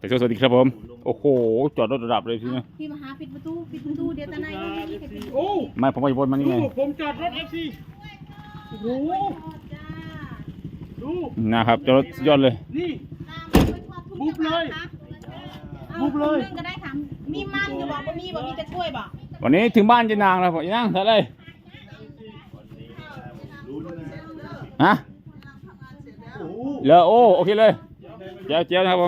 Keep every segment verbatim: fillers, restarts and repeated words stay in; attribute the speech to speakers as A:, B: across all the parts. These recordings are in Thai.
A: สวัสดีครับผมโอ้โหจอดรถระดับเลยทีนี้
B: พี่มาหาปิดประตูปิดประตูเดี๋ยวตาไหนก็ไม่ปิด
C: โอ้
A: ไม่ผมไปบนมันนี่ไง
C: ผมจอดรถเอฟซีโอ้โหดู
A: นะครับจอดรถยอดเลย
C: นี่
B: บุบเลย
C: บุบเลย
B: ก็ได้ถามมีมันอยู่บอกว่ามีบอกมีจะช่วยบอก
A: วันนี้ถึงบ้านเจนางแล้วผมเจนางเท่าไรฮะเลยโอ้โอเคเลยเจ้าเจ้านะครับผม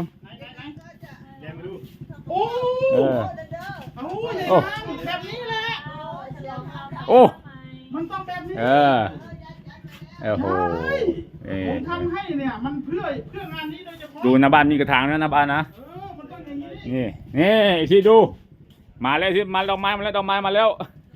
C: โอ้
A: เออ
C: โอ้ยแบบนี้แหละ
A: โอ้
C: มันต้องแบบนี้
A: เออโอ้โหเออ
C: ผมทำให้เนี่ยมันเพื่อเพื่องานนี้โดยเฉพาะ
A: ดูหน้าบ้านมีกระถางนะหน้าบ้านนะ
C: เออมันต้องอย่างนี้
A: นี่นี่อีกทีดูมาแล้วที่มาดอกไม้มาแล้วดอกไม้มาแล้ว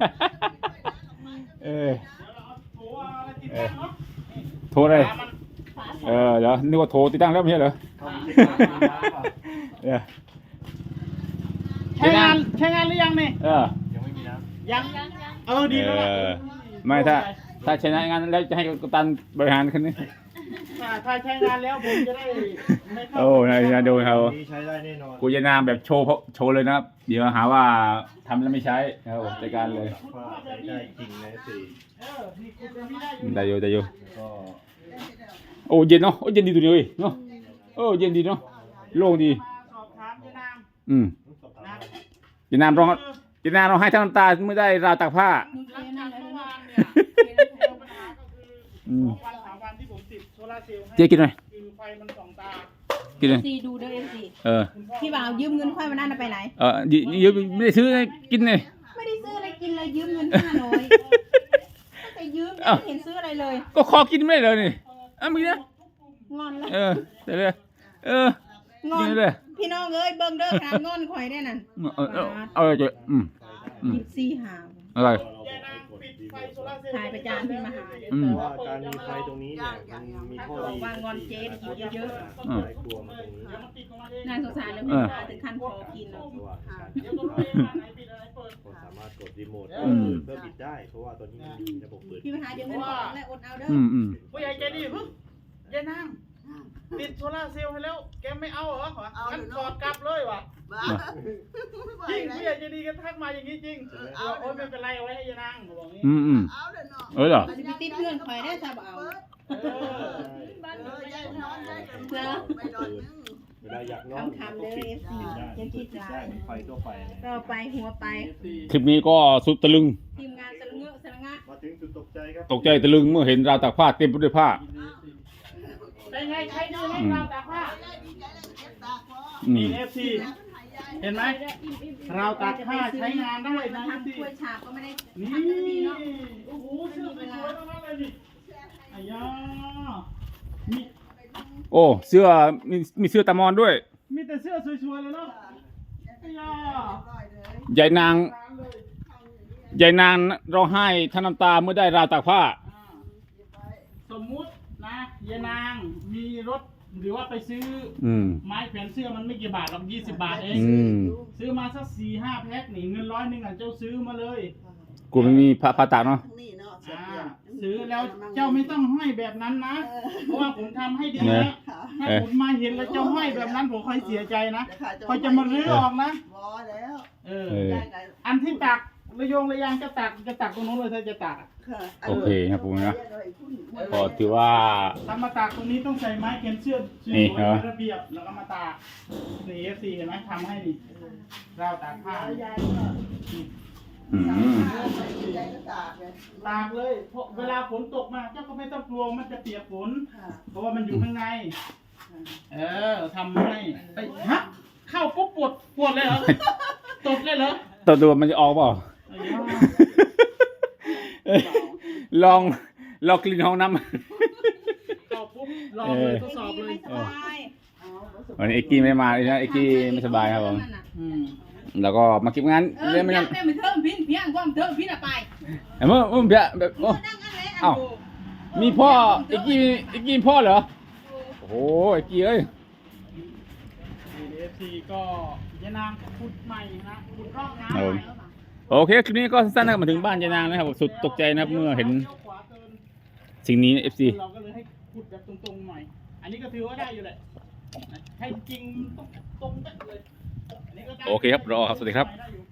A: เออ
C: โอ้อะไรติดตั้งเนาะ
A: โทรเลยเออเดี๋ยวนึกว่าโทรติดตั้งแล้วไม่ใช่เหรอเออ
C: ใช้งานใช้งานหรือยังเนี่ย
A: เออ
C: ยังเออดีแล้วล่ะ
A: เออไม่ถ้าถ้าชนะงานแล้วจะให้กัปตันบริหารคันนี้
C: ถ้าถ้าใช้งานแล้วผมจะได้ไม่เข้า
A: โอ้นายนาดูเขา
D: นี้ใช้ได้แน่นอน
A: กูจะนามแบบโชว์โชว์เลยนะครับเดี๋ยวหาว่าทำแล้วไม่ใช้นะครับจัดการเลย
D: ว่าใช้ได้จริงนะสี่
C: เออนี่คุณจะไม่ได้อยู่
A: ได้อยู่ได้อยู่
D: ก็
A: โอ้เย็นเนาะโอ้เย็นดีตัวนี้เว้ยเนาะโอ้เย็นดีเนาะโล่งดี
C: มาสอบถามยานาง
A: อืม
C: นะ
A: เจนามร้องเจนามร้องให้ทั้งน้ำตาเมื่อได้ราวตากผ้า
C: หลังจากเมื่อวานเนี่ยปัญหาก็คือ
A: อืม
C: สองวันสามวันที่ผมติดโซลาร์เซลล์ให้
A: เจ๊กินหน่อย
C: คือไฟมันส่องตา
A: กินเลย
B: ซีดูเด้อเอ็มซี
A: เออ
C: คุณพ่อ
B: พี่บ่าวยืมเงินค่อยมานั่นไปไหน
A: เออยืยืมไม่ได้ซื้อให้กินเลย
B: ไม่ได้ซื้ออะไรกินเลยยืมเงินห้าร้อยแต่ยืมไม่เห็นซื้ออะไรเลย
A: ก็ขอกินไม่ได้เลยนี่อ่ะมึงนะ
B: งอนแล้ว
A: เออเดี๋ยวเลยเออง
B: อ
A: กิ
B: น
A: นเลย
B: พี่น้องเอ้ยเบิ่งเด้อขนาดงอนข่อยได้นั่น
A: เออเออเอาเลยเจ๊อืมอืม
B: ยิบซีหา
A: อะไร
C: ยานางปิดไฟโซลาร์เซลล์
B: ถ่ายประจานพี่มาหา
A: อืม
D: ว่าการมีไฟตรงนี้เนี่ยมันมีข้อ
B: บอก
D: ดี
B: ว่างอนเจ๊กินเยอะ
A: อืม
D: หลายครัวมาตรงนี้
C: เดี๋ยวมันติดของมันเอง
B: ๆน่าสงสารเลยพี่บ่าวถึงขั้นคอกินแล้ว
D: เพราะว่าการ
C: เดี๋ยวต้องรู้เองว่าไหนปิดอะไรเปิด
D: คนสามารถกดรีโมท
A: อืม
D: เพื่อปิดได้ เพราะว่าตอนนี้มันมีระบบเปิด
B: พี่มาหาเดี๋ยวเงินออกแล้วอดเอาเด้อ
A: อืมอืม
C: ผู้ใหญ่ใจดีพึ่งยานางติดโซลาร์เซลล์ให้แล้วแกไม่เอาเหรองั้นถอดกลับเลยวะจริงผู้ใหญ่ใจดีกันทักมาอย่างนี้จริงโอ้ยไม่เป็นไรเอาไว้ให้ยานางบอกงี้
A: อืมอืมเออเหรอ
B: จะไปติดเพื่อนข่อยได้ถ้าบ่เอา
C: เออ
B: เพื่อ
D: เวลาอยากนอน
B: คำคำเด้อเอฟซียังคิดได้
D: ไฟตัวไฟเนี่ย
B: ก็ไปหัวไป
A: คลิปนี้ก็สุดตะลึง
B: ทีมงานสละเงอะสละงะ
D: มาถึงจุดตกใจครับ
A: ตกใจตะลึงเมื่อเห็นราวตากผ้าเต็มไปด้วยผ้า
C: เป็นไงใครดูให้เราตากผ้า
A: อื
C: นี่
A: ม
C: เอฟซีเห็นไหมเราตากผ้าใช้งานได้นะ
B: ทำ
C: เอฟซี
B: ถ้วยฉาบก็ไม่ได้
C: นี่
B: ทำได้ดีเนาะ
C: โอ้โหเสื้อสวยๆทั้งนั้นเลยนี่อายามี
A: โอ้เสื้อมีมีเสื้อตามอนด้วย
C: มีแต่เสื้อสวยๆเลยเนาะอายา
A: ใหญ่นางใหญ่นางร้องไห้ทั้งน้ำตาเมื่อได้ราวตากผ้า
C: สมมุตินะยายนางมีรถหรือว่าไปซื้อ
A: อืม
C: ไม้แขวนเสื้อมันไม่กี่บาทหรอกยี่สิบบาทเอง
A: อืม
C: ซื้อมาสักสี่ห้าแพ็คนี่เงินร้อยหนึ่งอ่ะเจ้าซื้อมาเลย
A: กูไม่มีผ้าผ้าตากเนาะ
C: อ่าซื้อแล้วเจ้าไม่ต้องห้อยแบบนั้นนะ เพราะว่าผมทำให้ดี
A: เนี่
C: นะ
A: ย
C: ถ้าผมมาเห็นแล้วเจ้าห้อยแบบนั้นผมค่อยเสียใจนะค่อยจะมารื้อออกนะ
E: บอแล้ว
C: เออ
A: เออ
C: อันที่ตักระโยงระยางจะตักจะตักตรงนู้นเลยถ้าจะตักอะ
A: โอเคครับผมนะก็ถือว่า
C: ถ้ามาตากตรงนี้ต้องใส่ไม้เขียนเสื้อสวย
A: นี่
C: ๆ
A: เหรอ
C: เป็นระเบียบแล้วก็มาตากนี่เอฟซีเห็นไหมทำให้นี่ราวตากผ้า
E: ยายก็
A: อืม
E: ยายก็ตากเลย
C: ตากเลยเพราะเวลาฝนตกมาเจ้าก็ไม่ต้องกลัวมันจะเปียกฝน
E: ค่ะ
C: เพราะว่ามันอยู่ข้างใน เออทำให้ไปฮะเข้าปุ๊บปวดปวดเลยเหรอ ตดเลยเหรอ
A: ตัวตัวมันจะออกเปล่า
C: ไอ้ย่า
A: ลองลองกลิ่นห้องน้ำ
C: เข้าปุ๊บลองเลยทดสอบเลย
B: ไม่สบาย
A: วันนี้เอ็กกี้ไม่ได้มาเลยนะเอ็กกี้ไม่สบายครับผม
C: อืม
A: แล้วก็มาเก็บงาน
B: เออ
A: เล่นไม่
B: ไม่
A: ยั
B: ยัง งไม่เทิมพินเพียงความเทิมพินอะไป
A: เมื่อเมื่อเบี้ยแบบโอ้
B: นั่งอันเละ
A: เอ้า มีพ่อเอ็กกี้เอ็กกี้มีพ่อเหรอโอ้โหเอ็กกี้เอ้ย
C: เอฟซีก็ยานางขุดใหม่นะขุดร่องน้ำ
A: ครับ
C: ให
A: ผม
C: ม่
A: โอเคคลิปนี้ก็สั้นๆนะครับมาถึงบ้านยายนางนะครับสุดตกใจนะครับเมื่อเห็น
C: ลี้ยวขวาเกิน
A: สิ่งนี้เอฟซี
C: เราก็เลยให้ขุดแบบตรงๆหน่อย อันนี้ก็ถือว่าได้อยู่แหละให้จริงต้องตรง
A: โอเคครับรอครับสวัสดีครับ